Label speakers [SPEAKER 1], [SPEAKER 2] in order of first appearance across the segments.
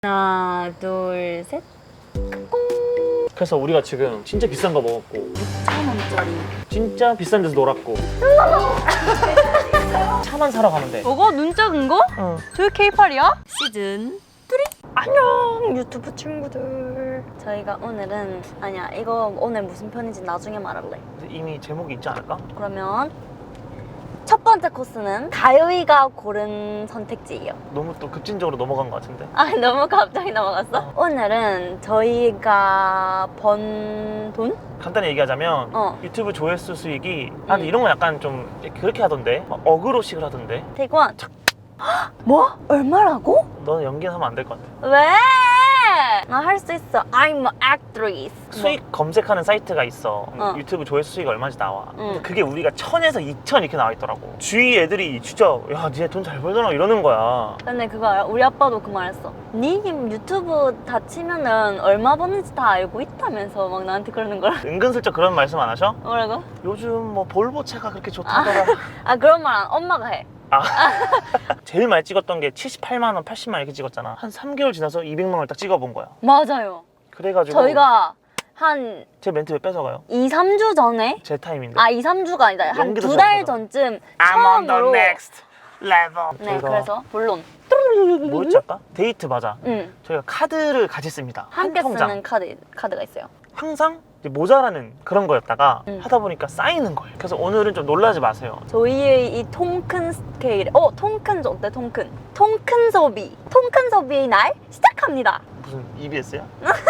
[SPEAKER 1] 하나, 둘, 셋.
[SPEAKER 2] 그래서 우리가 지금 진짜 비싼 거 먹었고
[SPEAKER 1] 6,000원짜리.
[SPEAKER 2] 진짜 비싼 데서 놀았고 차만 사러 가면 돼.
[SPEAKER 1] 저거 눈 작은 거?
[SPEAKER 2] 응.
[SPEAKER 1] 저게 K8이야? 시즌 3. 안녕 유튜브 친구들. 저희가 오늘은 이거 오늘 무슨 편인지 나중에 말할래.
[SPEAKER 2] 이미 제목이 있지 않을까?
[SPEAKER 1] 그러면 첫 번째 코스는 다효이가 고른 선택지예요.
[SPEAKER 2] 너무 또 급진적으로 넘어간 것 같은데.
[SPEAKER 1] 너무 갑자기 넘어갔어? 오늘은 저희가 번 돈?
[SPEAKER 2] 간단히 얘기하자면 유튜브 조회수 수익이 근데 이런 거 약간 좀 그렇게 하던데 막 어그로식을 하던데.
[SPEAKER 1] 태권. 뭐? 얼마라고?
[SPEAKER 2] 너는 연기는 하면 안 될 것 같아.
[SPEAKER 1] 왜? 나 할 수 있어. I'm an actress.
[SPEAKER 2] 수익 검색하는 사이트가 있어. 유튜브 조회수 수익이 얼마인지 나와. 근데 그게 우리가 1000에서 2000 이렇게 나와 있더라고. 주위 애들이 진짜 야 니네 돈 잘 벌잖아 이러는 거야.
[SPEAKER 1] 근데 그거 알아? 우리 아빠도 그 말 했어. 니 유튜브 다 치면은 얼마 버는지 다 알고 있다면서 막 나한테 그러는 거야.
[SPEAKER 2] 은근슬쩍 그런 말씀 안 하셔?
[SPEAKER 1] 뭐라고?
[SPEAKER 2] 요즘 뭐 볼보 차가 그렇게 좋다더라.
[SPEAKER 1] 그런 말 엄마가 해.
[SPEAKER 2] 제일 많이 찍었던 게 78만 원, 80만 원 이렇게 찍었잖아. 한 3개월 지나서 200만 원을 딱 찍어본 거야.
[SPEAKER 1] 맞아요.
[SPEAKER 2] 그래가지고
[SPEAKER 1] 저희가 한
[SPEAKER 2] 제 멘트 왜 뺏어가요?
[SPEAKER 1] 2, 3주 전에?
[SPEAKER 2] 제 타임인데.
[SPEAKER 1] 2, 3주가 아니다. 한
[SPEAKER 2] 연기도
[SPEAKER 1] 2달
[SPEAKER 2] 잘하잖아.
[SPEAKER 1] 전쯤
[SPEAKER 2] I'm on the
[SPEAKER 1] 처음으로
[SPEAKER 2] next level.
[SPEAKER 1] 네, 그래서 본론.
[SPEAKER 2] 뭐였지 아까? 데이트 맞아.
[SPEAKER 1] 응.
[SPEAKER 2] 저희가 카드를 같이 씁니다.
[SPEAKER 1] 함께
[SPEAKER 2] 한 통장.
[SPEAKER 1] 쓰는 카드가 있어요.
[SPEAKER 2] 항상 이제 모자라는 그런 거였다가
[SPEAKER 1] 응.
[SPEAKER 2] 하다 보니까 쌓이는 거예요. 그래서 오늘은 좀 놀라지 마세요.
[SPEAKER 1] 저희의 이 통큰 스케일, 통큰 어때? 통큰 소비의 날 시작합니다.
[SPEAKER 2] 무슨 EBS야?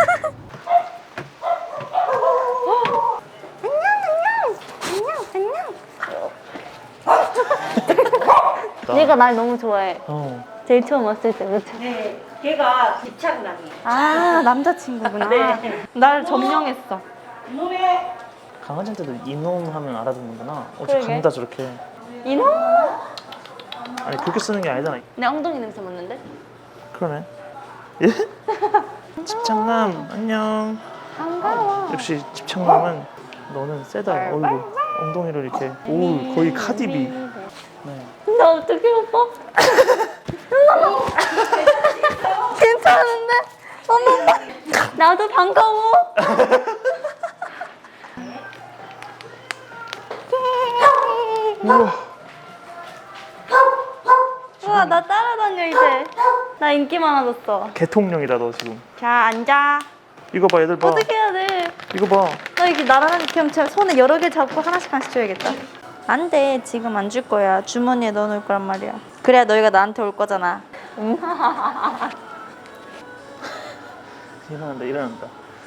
[SPEAKER 1] 얘가 날 너무 좋아해.
[SPEAKER 2] 어.
[SPEAKER 1] 제일 처음 왔을 때, 그치?
[SPEAKER 3] 네, 걔가 집착남이에요.
[SPEAKER 1] 남자친구구나.
[SPEAKER 3] 네.
[SPEAKER 1] 날 점령했어.
[SPEAKER 3] 몸에
[SPEAKER 2] 강아지한테도 이놈 하면 알아듣는구나. 어째
[SPEAKER 1] 그러게.
[SPEAKER 2] 강다 저렇게.
[SPEAKER 1] 이놈?
[SPEAKER 2] 아니 그렇게 쓰는 게 아니잖아.
[SPEAKER 1] 내 엉덩이 냄새 맡는데?
[SPEAKER 2] 그러네. 예? 집착남 안녕.
[SPEAKER 1] 반가워.
[SPEAKER 2] 역시 집착남은 너는 세다. 얼굴 엉덩이를 이렇게. 오 거의 카디비. 네.
[SPEAKER 1] 나 어떻게 오빠? 괜찮은데? 어머, 나도 반가워. 우와, 나 따라다녀 이제. 나 인기 많아졌어.
[SPEAKER 2] 개통령이다 너 지금.
[SPEAKER 1] 자, 앉아.
[SPEAKER 2] 이거 봐 얘들 봐.
[SPEAKER 1] 어떻게 해야 돼?
[SPEAKER 2] 이거 봐.
[SPEAKER 1] 나 이렇게 나란하게 그냥 제가 손에 여러 개 잡고 하나씩 줘야겠다. 안 돼. 지금 안 줄 거야. 주머니에 넣어놓을 거란 말이야. 그래야 너희가 나한테 올 거잖아.
[SPEAKER 2] 일어난다.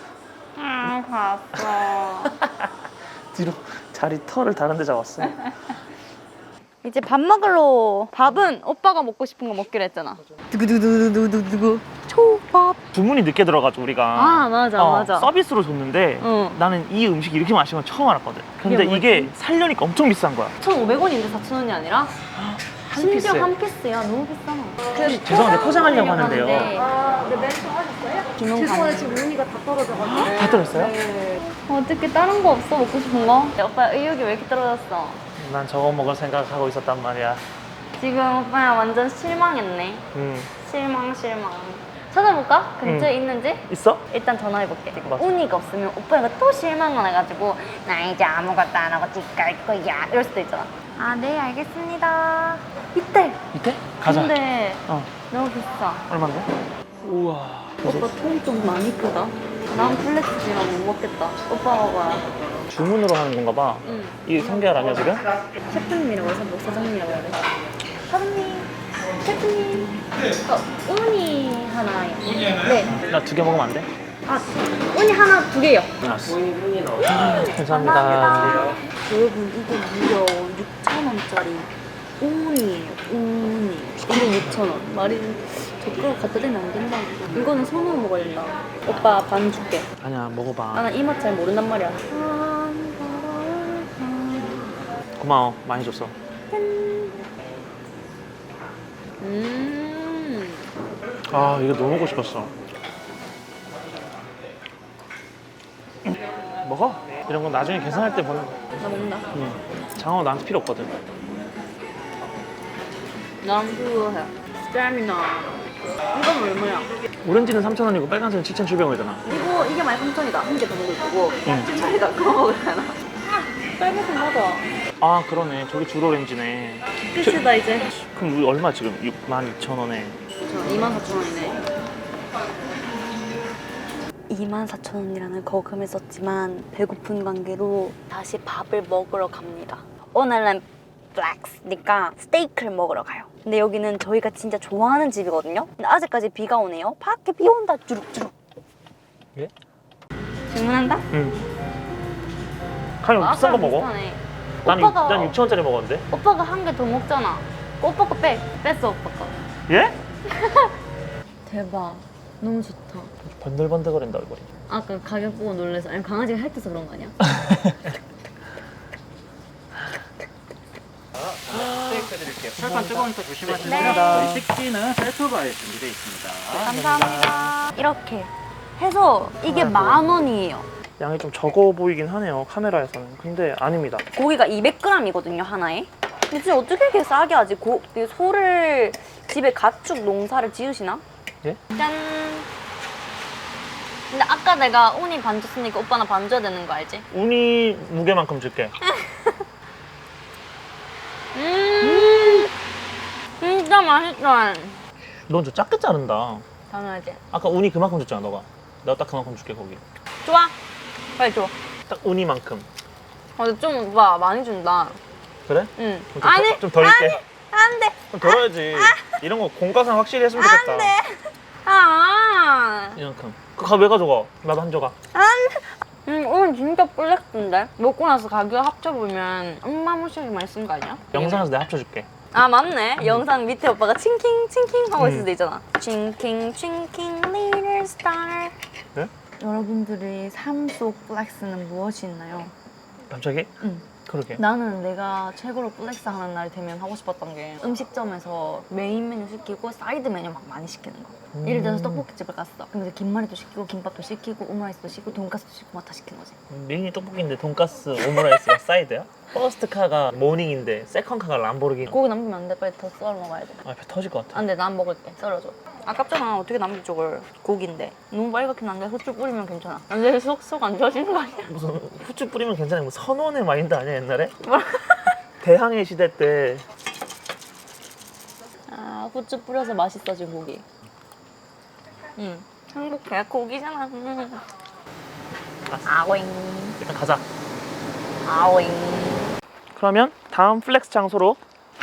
[SPEAKER 1] 봤어.
[SPEAKER 2] 뒤로 자리 털을 다른 데 잡았어.
[SPEAKER 1] 이제 밥 먹으러. 밥은 오빠가 먹고 싶은 거 먹기로 했잖아. 두구두구두구두구두구. 초밥.
[SPEAKER 2] 주문이 늦게 들어가지고 우리가.
[SPEAKER 1] 맞아.
[SPEAKER 2] 서비스로 줬는데
[SPEAKER 1] 응.
[SPEAKER 2] 나는 이 음식이 이렇게 맛있는 건 처음 알았거든. 근데
[SPEAKER 1] 이게
[SPEAKER 2] 이게 살려니까 엄청 비싼 거야.
[SPEAKER 1] 1,500원인데 4,000원이 아니라?
[SPEAKER 2] 한
[SPEAKER 1] 심지어
[SPEAKER 2] 피스에.
[SPEAKER 1] 한 피스야. 너무 비싸.
[SPEAKER 2] 죄송한데 포장하려고 하는데요.
[SPEAKER 3] 근데 멘트 하셨어요?
[SPEAKER 1] 주문
[SPEAKER 3] 죄송한데
[SPEAKER 1] 가능.
[SPEAKER 3] 지금 운이가 다 떨어져가지고.
[SPEAKER 2] 다 들었어요?
[SPEAKER 3] 네.
[SPEAKER 1] 어떻게 다른 거 없어? 먹고 싶은 거? 오빠 의욕이 왜 이렇게 떨어졌어?
[SPEAKER 2] 난 저거 먹을 생각하고 있었단 말이야.
[SPEAKER 1] 지금 오빠야 완전 실망했네. 실망. 찾아볼까? 근처에 있는지?
[SPEAKER 2] 있어?
[SPEAKER 1] 일단 전화해볼게.
[SPEAKER 2] 맞아.
[SPEAKER 1] 운이가 없으면 오빠가 또 실망을 해가지고 나 이제 아무것도 안 하고 집 갈 거야 이럴 수도 있잖아. 네 알겠습니다. 이때.
[SPEAKER 2] 이때? 가자.
[SPEAKER 1] 근데
[SPEAKER 2] 어.
[SPEAKER 1] 너무 비싸.
[SPEAKER 2] 얼마인데? 우와.
[SPEAKER 1] 오빠 통 좀 많이 크다. 난 플렉스지만 못 먹겠다. 오빠 먹어야.
[SPEAKER 2] 주문으로 하는 건가 봐.
[SPEAKER 1] 응.
[SPEAKER 2] 이게 성게알 아니야 지금?
[SPEAKER 1] 셰프님이라고 해서 뭐 사장님이라고 해야 돼? 사장님, 셰프님. 우니 하나요. 네.
[SPEAKER 2] 나 2개 먹으면 안 돼?
[SPEAKER 1] 우니 하나 2개요.
[SPEAKER 2] 알았어. 감사합니다.
[SPEAKER 1] 여러분 이거 무려 6,000원짜리 우니예요. 우니. 이거 6,000원. 말이 젓가락 갖다 대면 안 된다. 이거는 손으로 먹어야 된다. 오빠 반 줄게.
[SPEAKER 2] 아니야 먹어봐.
[SPEAKER 1] 나는 이 맛 잘 모른단 말이야.
[SPEAKER 2] 고마워 많이 줬어. 아 이거 너무 먹고 싶었어. 먹어. 이런 건 나중에 계산할 때 보는 거.
[SPEAKER 1] 나 먹는다.
[SPEAKER 2] 장어 나한테 필요 없거든.
[SPEAKER 1] 난 그거 해. 스태미나. 이건 얼마야?
[SPEAKER 2] 오렌지는 3,000원이고 빨간색은 7,700원이잖아.
[SPEAKER 1] 이게 13,000원이다. 한 개 더 먹을 거고.
[SPEAKER 2] 응.
[SPEAKER 1] 저희가 그거 먹을까나? 빨간색 맞아.
[SPEAKER 2] 아 그러네. 저게 줄 오렌지네.
[SPEAKER 1] 끝이다 이제.
[SPEAKER 2] 그럼 우리 얼마 지금? 62,000원에.
[SPEAKER 1] 24,000원이네. 24,000원이라는 거금을 썼지만 배고픈 관계로 다시 밥을 먹으러 갑니다. 오늘은 플렉스니까 스테이크를 먹으러 가요. 근데 여기는 저희가 진짜 좋아하는 집이거든요. 근데 아직까지 비가 오네요. 밖에 비 온다 주룩주룩.
[SPEAKER 2] 예?
[SPEAKER 1] 주문한다?
[SPEAKER 2] 응. 그냥 비싼 거 먹어.
[SPEAKER 1] 비슷하네.
[SPEAKER 2] 난,
[SPEAKER 1] 오빠가
[SPEAKER 2] 난 6,000원짜리 먹었는데.
[SPEAKER 1] 오빠가 한 개 더 먹잖아. 오빠 거 뺐어 오빠 거.
[SPEAKER 2] 예?
[SPEAKER 1] 대박. 너무 좋다.
[SPEAKER 2] 번들번들거린다 얼굴이.
[SPEAKER 1] 아까 가격 보고 놀라서 아니 강아지가 핥아서 그런 거 아니야?
[SPEAKER 4] 스테이크 드릴게요. 철판 뜨거우니까 조심하시고요.
[SPEAKER 1] 네.
[SPEAKER 4] 저희 식기는 셀프바에 준비되어 있습니다.
[SPEAKER 1] 감사합니다. 이렇게 해서 이게 10,000원이에요.
[SPEAKER 2] 양이 좀 적어 보이긴 하네요 카메라에서는. 근데 아닙니다.
[SPEAKER 1] 고기가 200g이거든요 하나에. 근데 진짜 어떻게 이렇게 싸게 하지? 이 소를 집에 가축 농사를 지으시나?
[SPEAKER 2] 예?
[SPEAKER 1] 짠. 근데 아까 내가 우니 반 줬으니까 오빠나 반 줘야 되는 거 알지?
[SPEAKER 2] 우니 무게만큼 줄게.
[SPEAKER 1] 진짜 맛있다.
[SPEAKER 2] 넌 저 작게 자른다.
[SPEAKER 1] 당연하지.
[SPEAKER 2] 아까 우니 그만큼 줬잖아 너가. 내가 딱 그만큼 줄게 거기.
[SPEAKER 1] 좋아. 빨리 줘.
[SPEAKER 2] 딱 우니만큼.
[SPEAKER 1] 근데 좀 오빠 많이 준다.
[SPEAKER 2] 그래?
[SPEAKER 1] 응.
[SPEAKER 2] 그럼 좀
[SPEAKER 1] 아니.
[SPEAKER 2] 좀 덜 줄게.
[SPEAKER 1] 안 돼.
[SPEAKER 2] 좀 덜어야지. 이런 거 공과상 확실히 했으면 좋겠다.
[SPEAKER 1] 안 돼. 아.
[SPEAKER 2] 이만큼. 그거 왜 가져가? 나도 한 조각.
[SPEAKER 1] 오늘 진짜 플렉스인데? 먹고 나서 가격 합쳐보면 엄마무시하게 많이 쓴 거 아니야?
[SPEAKER 2] 영상에서 내가 합쳐줄게.
[SPEAKER 1] 아 맞네. 영상 밑에 오빠가 칭킹 칭킹 하고 있을
[SPEAKER 2] 음.
[SPEAKER 1] 때 있잖아. 칭킹 칭킹 little star.
[SPEAKER 2] 네?
[SPEAKER 1] 여러분들의 삶 속 플렉스는 무엇이 있나요?
[SPEAKER 2] 갑자기?
[SPEAKER 1] 응.
[SPEAKER 2] 그러게.
[SPEAKER 1] 나는 내가 최고로 플렉스 하는 날 되면 하고 싶었던 게 음식점에서 메인 메뉴 시키고 사이드 메뉴 막 많이 시키는 거. 예를 들어서 떡볶이집을 갔어. 그럼 이제 김말이도 시키고 김밥도 시키고 오므라이스도 시키고 돈가스도 시키고 막 다 시키는 거지.
[SPEAKER 2] 메인이 떡볶이인데 돈가스 오므라이스가 사이드야? 퍼스트 카가 모닝인데 세컨 카가 람보르기니.
[SPEAKER 1] 고기 남기면 안 돼. 빨리 더 썰어 먹어야 돼.
[SPEAKER 2] 아, 배 터질 것 같아.
[SPEAKER 1] 안 돼. 난 먹을게. 썰어줘. 아깝잖아. 어떻게 남기 쪽을 고기인데. 너무 빨갛게 난게 후추 뿌리면 괜찮아. 안 돼. 쏙쏙 안 좋아지는 거 아니야?
[SPEAKER 2] 무슨 후추 뿌리면 괜찮아. 뭐 선원의 마인드 아니야 옛날에? 대항해 시대 때.
[SPEAKER 1] 아 후추 뿌려서 맛있어진 고기. 응. 행복해. 고기잖아. 아오잉.
[SPEAKER 2] 일단 가자.
[SPEAKER 1] 아오잉.
[SPEAKER 2] 그러면 다음 플렉스 장소로.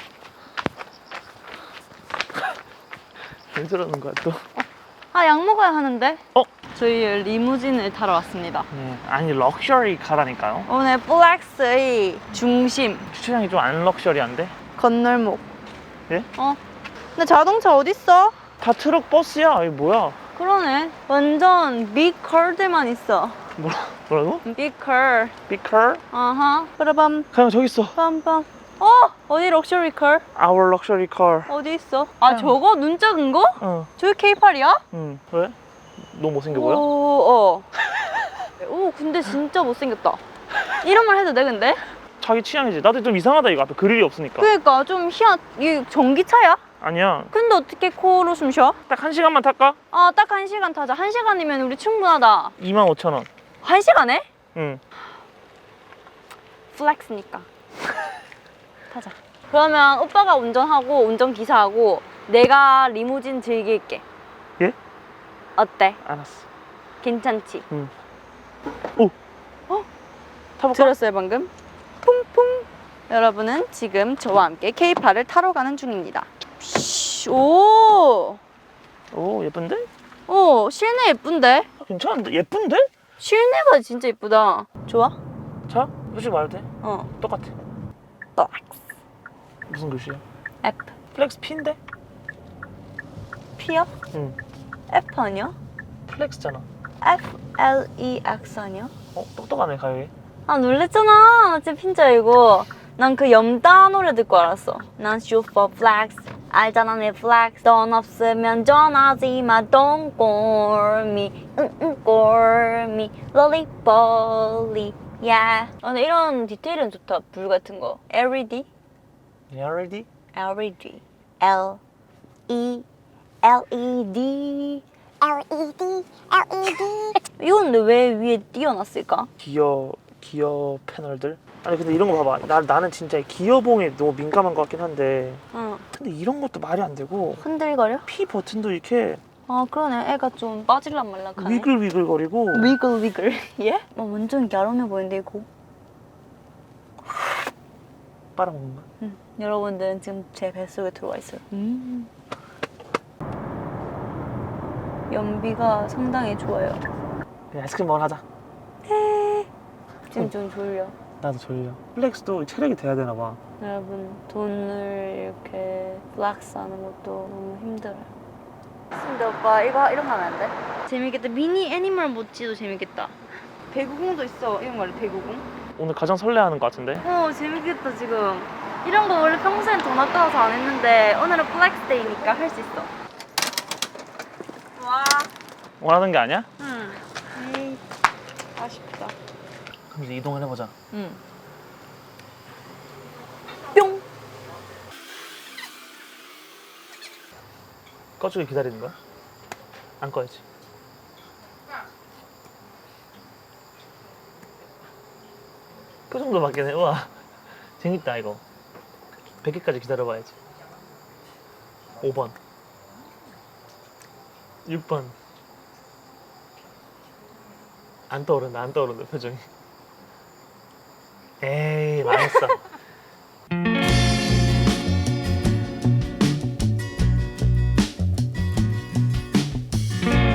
[SPEAKER 2] 왜 저러는 거야 또?
[SPEAKER 1] 아 약 먹어야 하는데.
[SPEAKER 2] 어?
[SPEAKER 1] 저희 리무진을 타러 왔습니다.
[SPEAKER 2] 네, 아니 럭셔리 카라니까요.
[SPEAKER 1] 오늘 플렉스의 중심
[SPEAKER 2] 주차장이 좀 안 럭셔리한데?
[SPEAKER 1] 건널목.
[SPEAKER 2] 예?
[SPEAKER 1] 근데 자동차 어딨어?
[SPEAKER 2] 다 트럭 버스야. 이게 뭐야?
[SPEAKER 1] 그러네. 완전 빅컬들만 있어.
[SPEAKER 2] 뭐라고?
[SPEAKER 1] 빅컬.
[SPEAKER 2] 빅컬?
[SPEAKER 1] 아하. 그래밤.
[SPEAKER 2] 그냥 저기 있어.
[SPEAKER 1] 빰빰. 어디 럭셔리 컬?
[SPEAKER 2] Our luxury car.
[SPEAKER 1] 어디 있어? 아 저거 눈 작은 거?
[SPEAKER 2] 어.
[SPEAKER 1] 저게 K8이야?
[SPEAKER 2] 응. 왜? 너무 못생겨 보여?
[SPEAKER 1] 오, 오 근데 진짜 못생겼다. 이런 말 해도 돼 근데?
[SPEAKER 2] 자기 취향이지. 나도 좀 이상하다 이거 앞에 그릴이 없으니까.
[SPEAKER 1] 그러니까 좀 희한. 이게 전기차야?
[SPEAKER 2] 아니야.
[SPEAKER 1] 근데 어떻게 코로 숨 쉬어?
[SPEAKER 2] 딱 1시간만 탈까?
[SPEAKER 1] 아 딱 1시간 타자. 1시간이면 우리 충분하다.
[SPEAKER 2] 25,000원.
[SPEAKER 1] 1시간에?
[SPEAKER 2] 응.
[SPEAKER 1] 플렉스니까. 타자. 그러면 오빠가 운전하고 운전기사하고 내가 리무진 즐길게.
[SPEAKER 2] 예?
[SPEAKER 1] 어때?
[SPEAKER 2] 알았어.
[SPEAKER 1] 괜찮지?
[SPEAKER 2] 응. 오. 타볼까?
[SPEAKER 1] 들었어요 방금? 퐁퐁. 여러분은 지금 저와 함께 K8을 타러 가는 중입니다. 오!
[SPEAKER 2] 오 예쁜데?
[SPEAKER 1] 오 실내 예쁜데?
[SPEAKER 2] 괜찮은데? 예쁜데?
[SPEAKER 1] 실내가 진짜 예쁘다. 좋아?
[SPEAKER 2] 자, 솔직히 말해도 돼?
[SPEAKER 1] 어.
[SPEAKER 2] 똑같아.
[SPEAKER 1] 플렉스.
[SPEAKER 2] 무슨 글씨야?
[SPEAKER 1] F.
[SPEAKER 2] 플렉스 P인데?
[SPEAKER 1] P야?
[SPEAKER 2] 응.
[SPEAKER 1] F 아니야?
[SPEAKER 2] 플렉스잖아.
[SPEAKER 1] FLEX 아니야?
[SPEAKER 2] 똑똑하네 가요이.
[SPEAKER 1] 아 놀랬잖아. 어째 핀자 이거. 난 그 염따 노래 듣고 알았어. 난 슈퍼 플렉스. 알잖아 내 플렉스. 돈 없으면 전화하지 마. Don't call me. call me. 롤리폴리. Yeah. 근데 이런 디테일은 좋다. 불 같은 거. LED?
[SPEAKER 2] You ready?
[SPEAKER 1] LED. L E LED. 이건 근데 왜 위에 띄워놨을까?
[SPEAKER 2] 기어 패널들. 아니 근데 이런 거 봐봐. 나는 진짜 기어봉에 너무 민감한 것 같긴 한데.
[SPEAKER 1] 응.
[SPEAKER 2] 근데 이런 것도 말이 안 되고
[SPEAKER 1] 흔들거려?
[SPEAKER 2] P 버튼도 이렇게
[SPEAKER 1] 아 그러네. 애가 좀 빠질란 말락하네.
[SPEAKER 2] 위글위글거리고.
[SPEAKER 1] 위글. 예? 완전 갸름해 보이는데 이거.
[SPEAKER 2] 빨아먹는 거야.
[SPEAKER 1] 응. 여러분들은 지금 제 뱃속에 들어와 있어요. 연비가 상당히 좋아요.
[SPEAKER 2] 그냥 아이스크림 먹으러 하자.
[SPEAKER 1] 지금 좀 졸려.
[SPEAKER 2] 나도 졸려. 플렉스도 체력이 돼야 되나 봐.
[SPEAKER 1] 여러분 돈을 이렇게 플렉스하는 것도 너무 힘들어요. 근데 오빠 이거 이런 거 하면 안 돼? 재밌겠다. 미니 애니멀 모찌도 재밌겠다. 배구공도 있어. 이런 거 알래? 배구공?
[SPEAKER 2] 오늘 가장 설레하는 것 같은데?
[SPEAKER 1] 재밌겠다 지금. 이런 거 원래 평소엔 돈 아까워서 안 했는데 오늘은 플렉스 데이니까 할 수 있어. 와.
[SPEAKER 2] 원하는 게 아니야?
[SPEAKER 1] 응. 에이, 아쉽다.
[SPEAKER 2] 그럼 이제 이동을 해보자.
[SPEAKER 1] 응. 뿅.
[SPEAKER 2] 꺼주길 기다리는 거야? 안 꺼야지. 표정도 바뀌네. 우와. 재밌다 이거. 100개까지 기다려봐야지. 5번 6번 안 떠오른다 표정이. 에이 망했어.